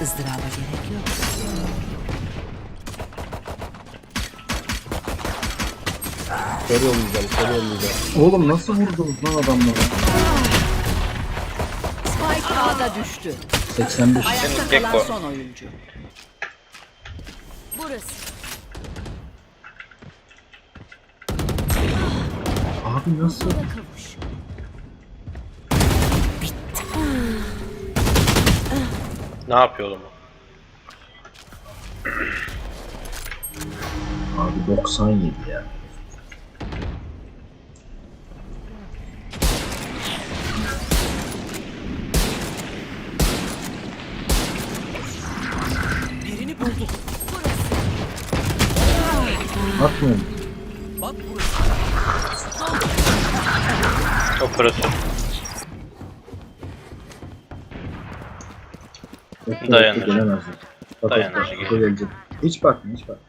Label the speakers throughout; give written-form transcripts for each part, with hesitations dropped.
Speaker 1: ızdıraba gerek yok.
Speaker 2: Kör yollayacağım, kör yollayacağım.
Speaker 3: Oğlum nasıl vurdunuz lan adamları?
Speaker 1: Spike A'da düştü.
Speaker 3: 85.
Speaker 1: Ayakta
Speaker 4: Gekko.
Speaker 1: kalan son oyuncu. Burası.
Speaker 3: Abi nasıl?
Speaker 1: Kavuş.
Speaker 4: Ne yapıyor oğlum?
Speaker 3: Abi 97 ya.
Speaker 1: Birini bulduk.
Speaker 3: Atmıyorum.
Speaker 1: Bak burası.
Speaker 4: Operatör.
Speaker 3: Bekle,
Speaker 4: Dayanır.
Speaker 3: bekle, gelemezler. Bak,
Speaker 4: Dayanır,
Speaker 3: bak,
Speaker 4: gelir.
Speaker 3: bak, gelecek. Hiç bakma, hiç bakma.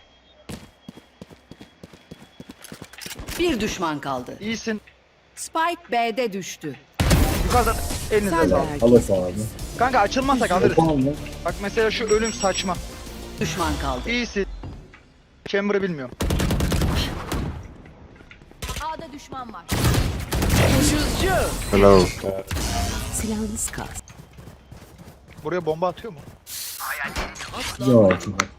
Speaker 1: Bir düşman kaldı.
Speaker 5: İyisin.
Speaker 1: Spike B'de düştü.
Speaker 5: Yukarıdan elinize
Speaker 1: Sen de
Speaker 5: sağlık.
Speaker 1: herkes.
Speaker 3: Al o abi.
Speaker 5: Kanka açılmazsak alırız.
Speaker 3: Yapamam lan.
Speaker 5: Bak mesela şu ölüm saçma.
Speaker 1: Düşman kaldı.
Speaker 5: İyisin. Chamber'ı bilmiyorum.
Speaker 1: A'da düşman var.
Speaker 2: Hello.
Speaker 1: Silahınız kaldı.
Speaker 5: Buraya bomba atıyor mu?
Speaker 3: Yok, çok atma.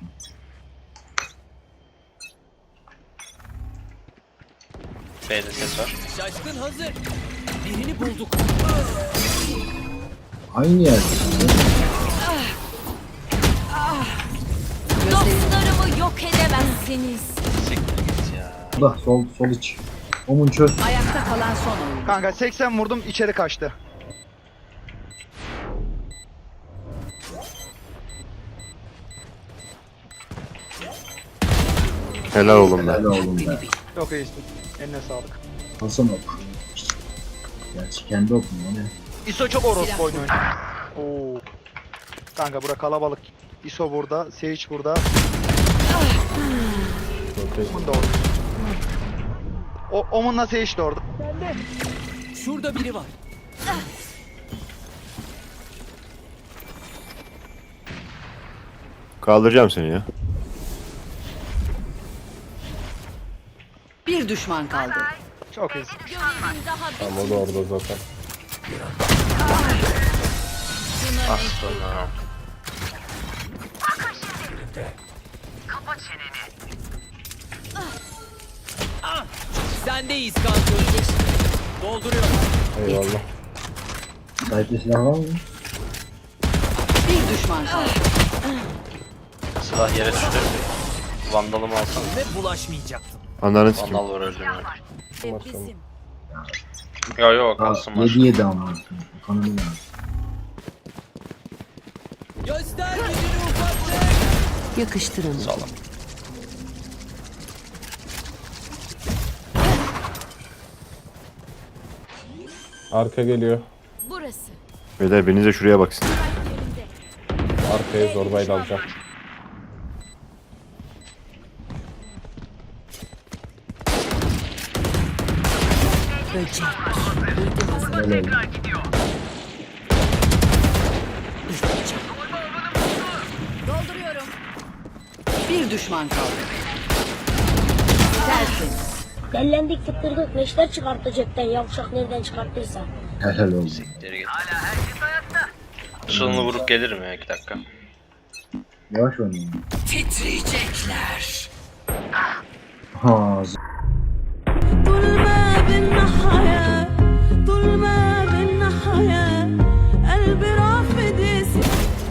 Speaker 4: B'de ses var.
Speaker 1: Şaşkın hazır. Birini bulduk.
Speaker 3: Aynı yerde.
Speaker 6: Dostlarımı yok edemezsiniz.
Speaker 4: Siktir git ya.
Speaker 3: Bak sol iç. Omun çöz.
Speaker 1: Ayakta kalan son oyuncu.
Speaker 5: Kanka 80 vurdum içeri kaçtı.
Speaker 2: Helal oğlum be.
Speaker 3: Helal oğlum be.
Speaker 5: Çok iyisin. Eline sağlık.
Speaker 3: Hasan ok. Gerçi kendi okun ya ne?
Speaker 5: ISO çok orospu oynuyor. Oo. Kanka bura kalabalık. ISO burada, Sage burada. Omun da orada. Omun'la Sage de orada.
Speaker 1: Şurada biri var.
Speaker 2: Kaldıracağım seni ya.
Speaker 1: Bir düşman kaldı.
Speaker 5: Çok iyisin.
Speaker 6: Görevim daha
Speaker 2: Tamam o da orada zaten.
Speaker 4: Aslanım.
Speaker 1: Sendeyiz kanka. Dolduruyorum.
Speaker 2: Eyvallah.
Speaker 3: Sahipli silah var mı?
Speaker 1: Bir düşman kaldı.
Speaker 4: Silah yere düştü. Vandalımı alsana.
Speaker 1: Ve bulaşmayacaktım.
Speaker 2: Ananı sikeyim.
Speaker 4: Vandal var öldüm ya.
Speaker 6: bizim.
Speaker 4: Yo yo
Speaker 3: Aa,
Speaker 4: kalsın var.
Speaker 3: 7 ama. Kanını lazım.
Speaker 1: Göster gücünü ufaklık. Yakıştıramadım.
Speaker 4: Sağlam.
Speaker 2: Arka geliyor.
Speaker 6: Burası.
Speaker 2: Beyler biriniz de şuraya baksın.
Speaker 6: Yerinde.
Speaker 2: Arkaya zorbayla alacağım.
Speaker 1: Böcek.
Speaker 3: Helal oğlum.
Speaker 6: Dolduruyorum.
Speaker 1: Bir düşman kaldı. Tertemiz.
Speaker 7: Dellendik tıktırdık neşter çıkarttı cepten yavşak nereden çıkarttıysa.
Speaker 3: Helal oğlum.
Speaker 4: Geri git. Işığını vurup gelirim ya 2 dakika.
Speaker 3: Yavaş oynayın.
Speaker 1: Titriyecekler.
Speaker 3: Ha,
Speaker 8: طول ما بالنهاية طول ما بالنهاية قلبي رافض يسيب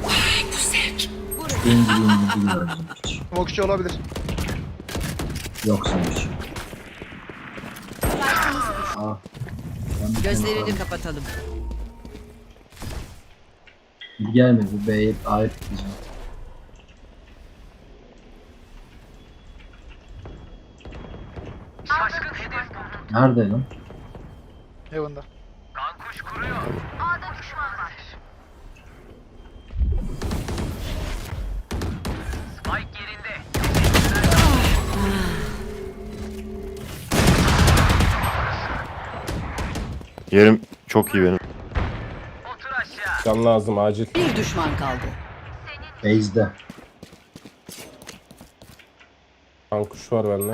Speaker 3: İngilizce bilmiyorum hiç.
Speaker 5: Mokçu olabilir.
Speaker 3: Yok sanmış. Ah. Ben bir tane
Speaker 1: Gözlerini
Speaker 3: kaldım.
Speaker 1: kapatalım.
Speaker 3: Bir gelmedi. Bu B'ye ait diyeceğim. Nerede lan?
Speaker 5: Heaven'da.
Speaker 2: Yerim çok iyi benim.
Speaker 9: Can lazım acil.
Speaker 1: Bir düşman kaldı.
Speaker 3: Base'de.
Speaker 2: Kankuş var bende.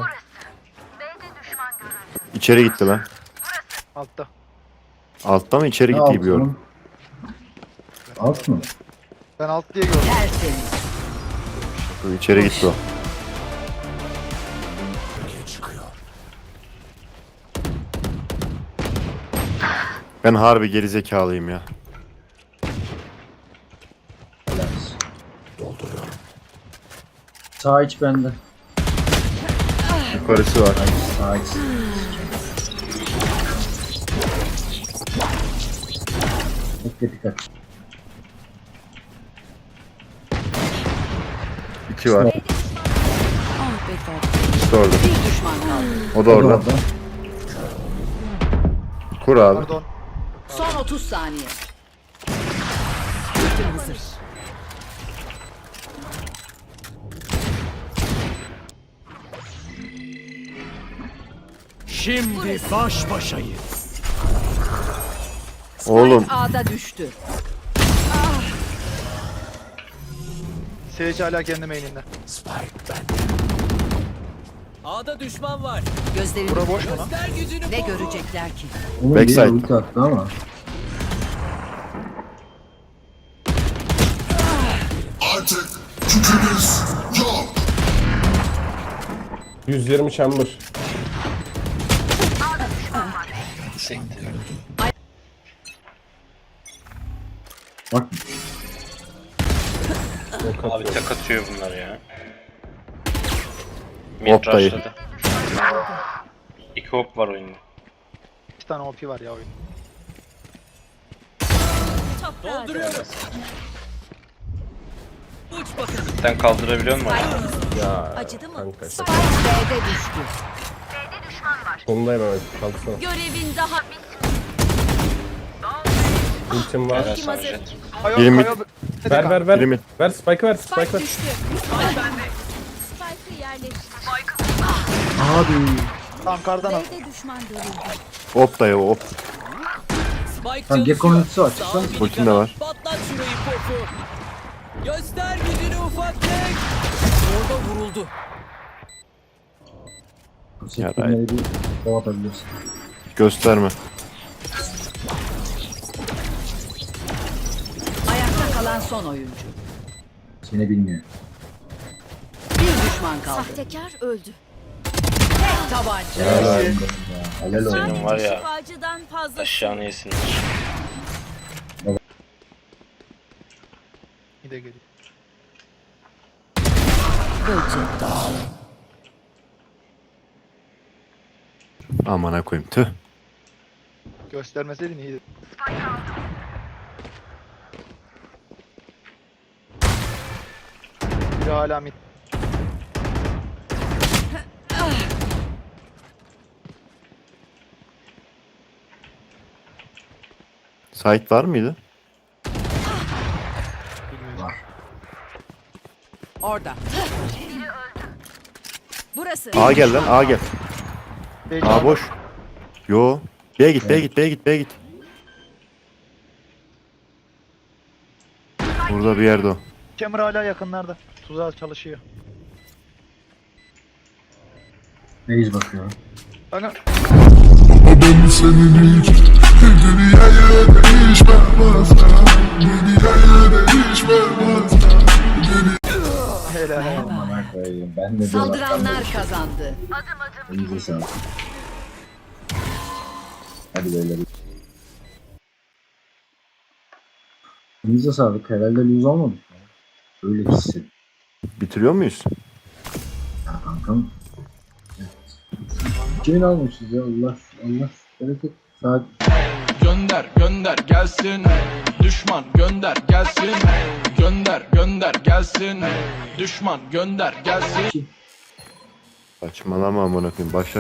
Speaker 2: İçeri gitti lan.
Speaker 5: Altta.
Speaker 2: Altta mı içeri
Speaker 3: Ne
Speaker 2: gitti
Speaker 3: alt
Speaker 2: gibi yorum.
Speaker 3: mı? Alt mı?
Speaker 5: Ben alt diye gördüm.
Speaker 1: Tertemiz.
Speaker 2: İçeri gitti o. Ben harbi gerizekalıyım ya.
Speaker 3: Helal. Sağ iç bende.
Speaker 2: Yukarısı var.
Speaker 3: Sağ iç. Bekle dikkat.
Speaker 2: 2 var.
Speaker 1: Ah be tatlım.
Speaker 2: İkisi de orada.
Speaker 1: Bir düşman kaldı.
Speaker 2: O da orada. Kur abi.
Speaker 5: Pardon.
Speaker 1: Son 30 saniye. Ultim hazır.
Speaker 9: Şimdi baş başayız.
Speaker 2: Oğlum.
Speaker 1: A'da düştü.
Speaker 5: Sage hala kendi main'inde.
Speaker 9: A'da düşman var.
Speaker 1: Gözlerini
Speaker 5: Bura boş mu lan?
Speaker 9: Göster gücünü.
Speaker 1: ne görecekler ki?
Speaker 3: Onun
Speaker 2: Backside.
Speaker 3: biri ulti attı ama.
Speaker 10: Artık gücünüz yok.
Speaker 2: 120 chamber.
Speaker 4: Siktir.
Speaker 3: Bak
Speaker 4: Abi tek atıyor bunlar ya.
Speaker 2: Hop dayı.
Speaker 4: Rush'ladı. 2 hop var oyunda.
Speaker 5: 2 tane OP var ya oyun.
Speaker 9: Dolduruyoruz. Uç bakalım.
Speaker 4: Sen kaldırabiliyor musun?
Speaker 2: Ya
Speaker 6: Acıdı mı?
Speaker 2: kanka.
Speaker 1: Spike B'de düştü.
Speaker 2: Sonundayım evet. Kalksana.
Speaker 6: Görevin daha
Speaker 2: Ultim var.
Speaker 4: Helal sana Jet.
Speaker 5: Kayo,
Speaker 2: Yirmi-
Speaker 5: Kayo.
Speaker 2: Ver ver ver. Birimi. Ver Spike'ı ver. Spike ver.
Speaker 6: düştü. Spike'ı yerleştir.
Speaker 3: abi.
Speaker 5: Tamam kardan al.
Speaker 6: B'de düşman görüldü.
Speaker 2: Hop dayı hop.
Speaker 9: Spike
Speaker 3: Tamam, Gekko'nun ultisi var, çıksana.
Speaker 9: Sağ
Speaker 2: Ultin de
Speaker 9: minik
Speaker 2: var.
Speaker 9: Patlat şurayı popu. Göster gücünü ufaklık. Orada vuruldu.
Speaker 3: Bu sektirmeleri bir kov atabilirsin.
Speaker 2: Gösterme.
Speaker 1: Ayakta kalan son oyuncu.
Speaker 3: Seni bilmiyor.
Speaker 1: Bir düşman kaldı.
Speaker 6: Sahtekar öldü.
Speaker 1: Tek tabanca.
Speaker 3: Helal olsun ya. Helal olsun.
Speaker 4: Senin var ya
Speaker 6: Şifacıdan fazla.
Speaker 4: aşağını yesin.
Speaker 5: Bir de geliyor.
Speaker 1: Böcek.
Speaker 2: Amına koyayım tüh.
Speaker 5: Göstermeseydin iyiydi. Biri hala mid.
Speaker 2: Site var mıydı?
Speaker 1: Orada. Burası.
Speaker 2: A gel lan A gel.
Speaker 5: Sage
Speaker 2: A
Speaker 5: aldı.
Speaker 2: boş. Yo. B'ye git B'ye git B'ye git B'ye git. Burada bir yerde o.
Speaker 5: Hammer hala yakınlarda. Tuzağa çalışıyor.
Speaker 3: Base bakıyor.
Speaker 5: Bakın.
Speaker 10: Ben senin hiç dünyaya değişmez. Dünyaya değişmez.
Speaker 5: Helal.
Speaker 3: Aman koyayım. Ben de
Speaker 1: Saldıranlar kazandı.
Speaker 3: Elinize sağlık. Hadi beyler. Elinize sağlık. Herhalde lose olmadık ya. Öyle hissettim.
Speaker 2: Bitiriyor muyuz?
Speaker 3: Ya kankam. Evet. Kimin almışız ya? Allah bereket. Saat
Speaker 11: Gönder gönder gelsin. Düşman gönder gelsin. Gönder gönder gelsin. Düşman gönder gelsin.
Speaker 2: Saçmalama amına koyayım. Başla